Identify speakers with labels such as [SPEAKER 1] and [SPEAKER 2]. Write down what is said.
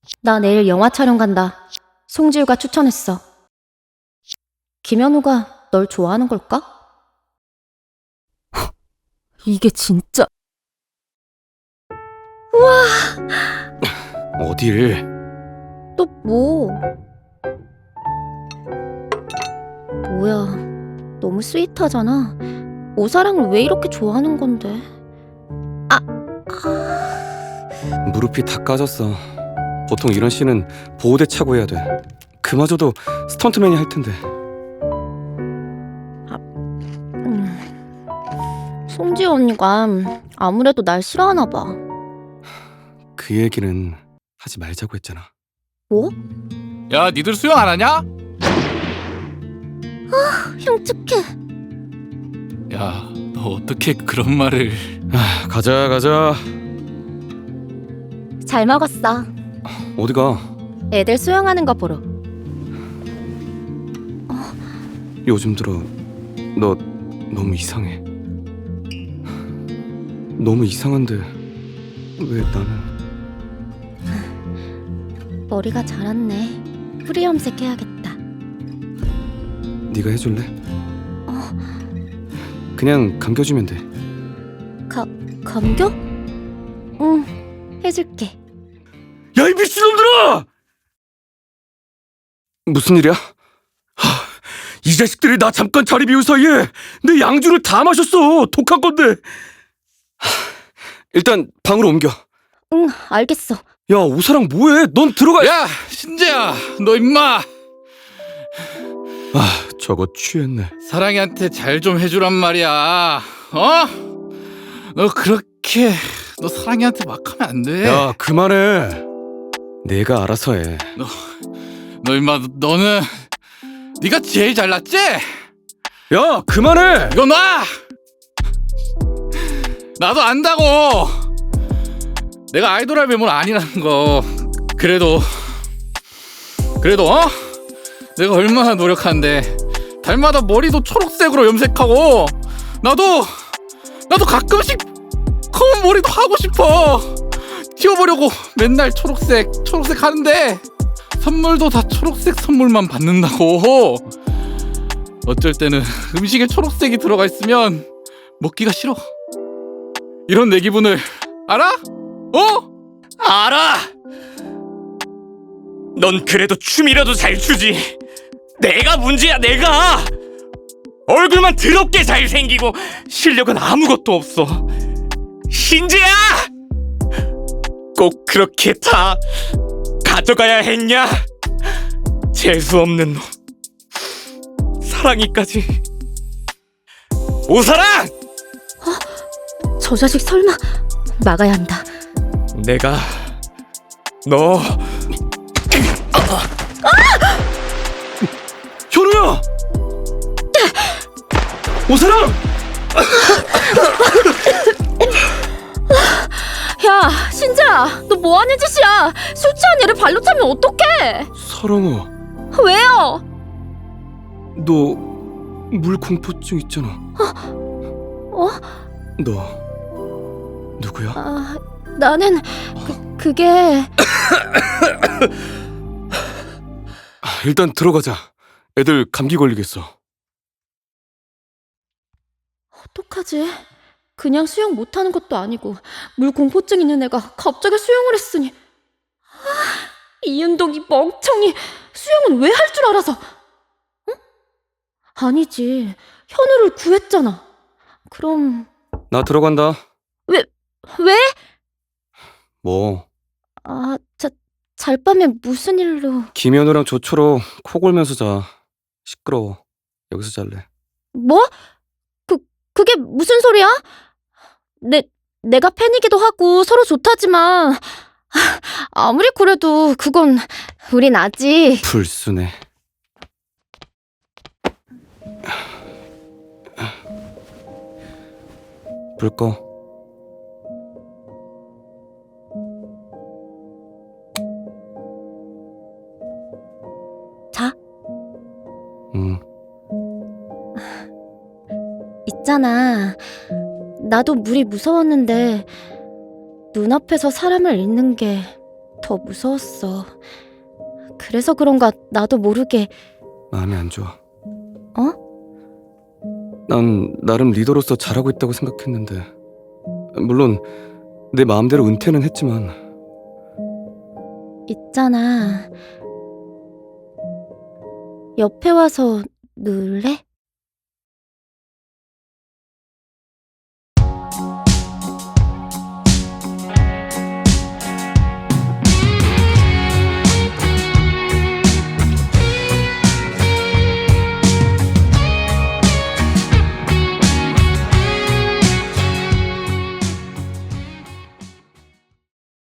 [SPEAKER 1] 나 내일 영화 촬영 간다. 송지우가 추천했어. 김현우가 널 좋아하는 걸까? 이게 진짜...
[SPEAKER 2] 어딜?
[SPEAKER 1] 또 뭐? 뭐야, 너무 스윗하잖아. 오사랑을 왜 이렇게 좋아하는 건데?
[SPEAKER 2] 무릎이 다 까졌어. 보통 이런 씬은 보호대 차고 해야 돼. 그마저도 스턴트맨이 할 텐데.
[SPEAKER 1] 송지우 언니가 아무래도 날 싫어하나 봐.
[SPEAKER 2] 그 얘기는 하지 말자고 했잖아.
[SPEAKER 1] 뭐?
[SPEAKER 3] 야, 니들 수영 안 하냐?
[SPEAKER 1] 흉측해.
[SPEAKER 3] 야, 너 어떻게 그런 말을...
[SPEAKER 2] 가자.
[SPEAKER 1] 잘 먹었어.
[SPEAKER 2] 어디가?
[SPEAKER 1] 애들 수영하는 거 보러.
[SPEAKER 2] 요즘 들어 너 너무 이상해. 너무 이상한데 왜 나는...
[SPEAKER 1] 머리가 자랐네. 프리 염색해야겠다.
[SPEAKER 2] 네가 해줄래? 그냥 감겨주면 돼.
[SPEAKER 1] 감겨? 응, 해줄게.
[SPEAKER 2] 야, 이 미친놈들아! 무슨 일이야? 이 자식들이 나 잠깐 자리 비운 사이에 내 양주를 다 마셨어. 독한 건데. 일단 방으로 옮겨.
[SPEAKER 1] 응, 알겠어.
[SPEAKER 2] 야, 오사랑 뭐해? 넌 들어가.
[SPEAKER 3] 야, 신재야, 너 임마
[SPEAKER 2] 저거 취했네.
[SPEAKER 3] 사랑이한테 잘 좀 해주란 말이야. 너 사랑이한테 막 하면 안 돼.
[SPEAKER 2] 야, 그만해. 내가 알아서 해.
[SPEAKER 3] 너 임마, 너는 네가 제일 잘났지?
[SPEAKER 2] 야, 그만해.
[SPEAKER 3] 이거 놔! 나도 안다고! 내가 아이돌 할 매물 아니라는 거. 그래도 내가 얼마나 노력하는데 달마다 머리도 초록색으로 염색하고 나도 가끔씩 검은 머리도 하고 싶어. 튀어보려고 맨날 초록색 하는데 선물도 다 초록색 선물만 받는다고. 어쩔 때는 음식에 초록색이 들어가 있으면 먹기가 싫어. 이런 내 기분을 알아?
[SPEAKER 4] 알아! 넌 그래도 춤이라도 잘 추지. 내가 문제야, 내가! 얼굴만 더럽게 잘생기고 실력은 아무것도 없어. 신재야! 꼭 그렇게 다 가져가야 했냐? 재수없는 놈. 사랑이까지. 오사랑!
[SPEAKER 1] 저 자식 설마... 막아야 한다.
[SPEAKER 4] 내가 너
[SPEAKER 2] 현우야! 오사랑!
[SPEAKER 1] 야, 신재야, 너 뭐하는 짓이야? 술 취한 애를 발로 차면 어떡해?
[SPEAKER 2] 사랑아,
[SPEAKER 1] 왜요?
[SPEAKER 2] 너 물공포증 있잖아. 너 누구야?
[SPEAKER 1] 나는... 그게...
[SPEAKER 2] 일단 들어가자. 애들 감기 걸리겠어.
[SPEAKER 1] 어떡하지? 그냥 수영 못하는 것도 아니고 물 공포증 있는 애가 갑자기 수영을 했으니... 이은동이 멍청이 수영은 왜 할 줄 알아서... 응? 아니지, 현우를 구했잖아. 그럼...
[SPEAKER 2] 나 들어간다.
[SPEAKER 1] 왜?
[SPEAKER 2] 뭐
[SPEAKER 1] 잘밤에 무슨 일로...
[SPEAKER 2] 김현우랑 조초로 코 골면서 자. 시끄러워. 여기서 잘래.
[SPEAKER 1] 뭐? 그게 무슨 소리야? 내가 팬이기도 하고 서로 좋다지만 아무리 그래도 그건 우린 아직...
[SPEAKER 2] 불순해. 불 꺼.
[SPEAKER 1] 자,
[SPEAKER 2] 응.
[SPEAKER 1] 있잖아. 나도 물이 무서웠는데 눈앞에서 사람을 잃는 게 더 무서웠어. 그래서 그런가 나도 모르게.
[SPEAKER 2] 마음이 안 좋아.
[SPEAKER 1] 어?
[SPEAKER 2] 난 나름 리더로서 잘하고 있다고 생각했는데, 물론 내 마음대로 은퇴는 했지만.
[SPEAKER 1] 있잖아. 옆에 와서 누울래?